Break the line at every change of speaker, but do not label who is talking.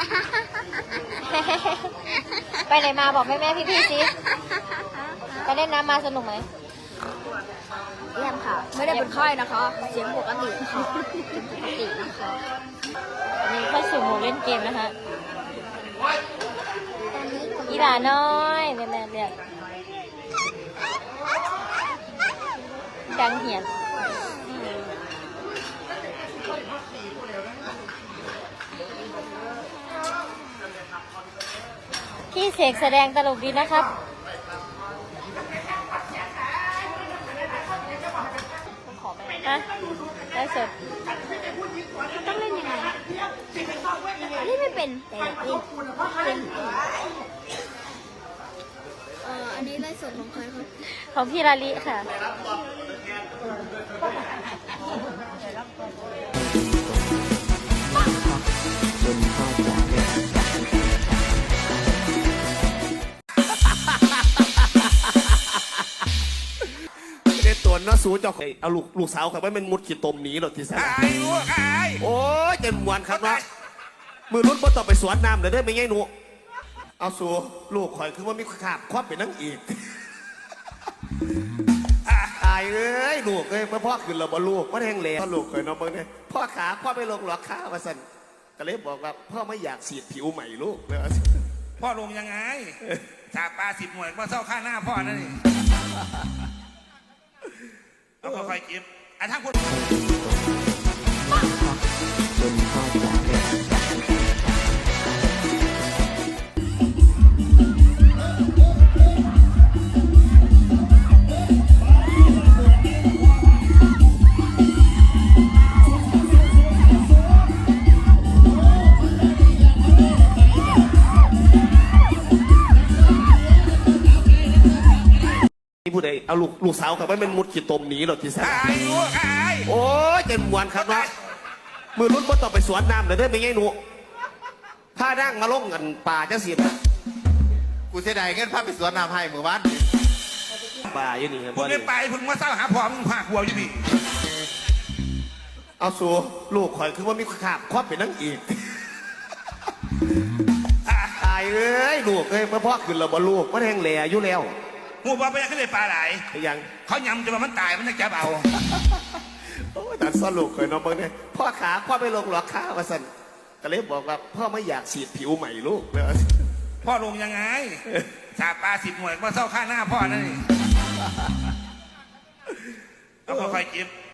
ไปไหนมาบอกแม่พี่สิไปเล่นน้ำมาสนุกไหม
เยี่ยมค่ะไม่ได้เป็นไข้นะคะเสียงปกติค่ะปกตินะคะ
อันนี้เข้าสู่โหมดเล่นเกมนะคะอีหลาน้อยแม่เรียกดังเหียนพี่เสกแสดงตลกดีนะครับฮะได้สด
ต้องเล่นยังไงเล่นไม่เป็นแต่อยากเล่นเป็นอันนี้ไลฟ์สดของใครครับ
ของพี่ลาลิค่ะ
ตัวน้าสูจะเอาลูกสาวขับไว้มันมุดขีดตมหนีหรอที่สนโอ้ยเจนมวนครับเนาะมือรุ่นบ่ต่อไปสวนน้ำเลยได้ไหมไงหนูเอาสูลูกข่อยคือว่ามีขาบครอบเป็นนั่งอีกตายเอ้ยลูกเอ้ยพ่อขึ้นเราบ่ลูกพ่อแทงเหลวพ่อลูกเคยน้องเบิ้งเนี่ยพ่อขาพ่อไปลงหลอกข้าวมาสั่นก็เลยบอกว่าพ่อไม่อยากสีดผิวใหม่ลูกเลย
พ่อลงยังไงชาปลา10 หน่วยมาเศร้าข้าหน้าพ่อนั่นนี่แล้วก็คอยกิบทั้งคน
ผู้ใดเอาลูกสาวขับไว้มันมุดขีดตมหนีหรอที่สนโอ้ยเจนมวนครับเนาะมือรุ่นบ่ต่อไปสวนน้ำเลยได้ไหมไงหนูผ้านั่งมาลงกันป่าจะเสีย
กูเสียดายเงินพาไปสวนน้ำให้เมื่อวาน
ป่าอยู่นี่
มึงไม่ไปมึงมาเศร้าหาพ่อมึงพาหัวอยู่นี่
เอาสูลูกข่อยคือว่ามีขาบครอบเป็นนั่งอีกตายเอ้ยลูกเอ้ยพ่อขึ้นเราบ่ลูกพ่อแทงเหลวอยู่แล้ว
หัวบอลไปยังขึ้นเลยปลาไหล
ยัง
เขายำจนมันตายมันจะจับเอา
โอ้ยตัดซ่อนลูกเคยน้องเบิ้งเนี่ยพ่อขาพ่อไปลงหลอกข้าวมาสั่นก็เลยบอกว่าพ่อไม่อยากสีดผิวใหม่ลูกเลย
พ่อลงยังไงชาปลา10 หน่วยมาเศร้าข้าหน้าพ่อนั่นนี่แล้วก็คอยกิบ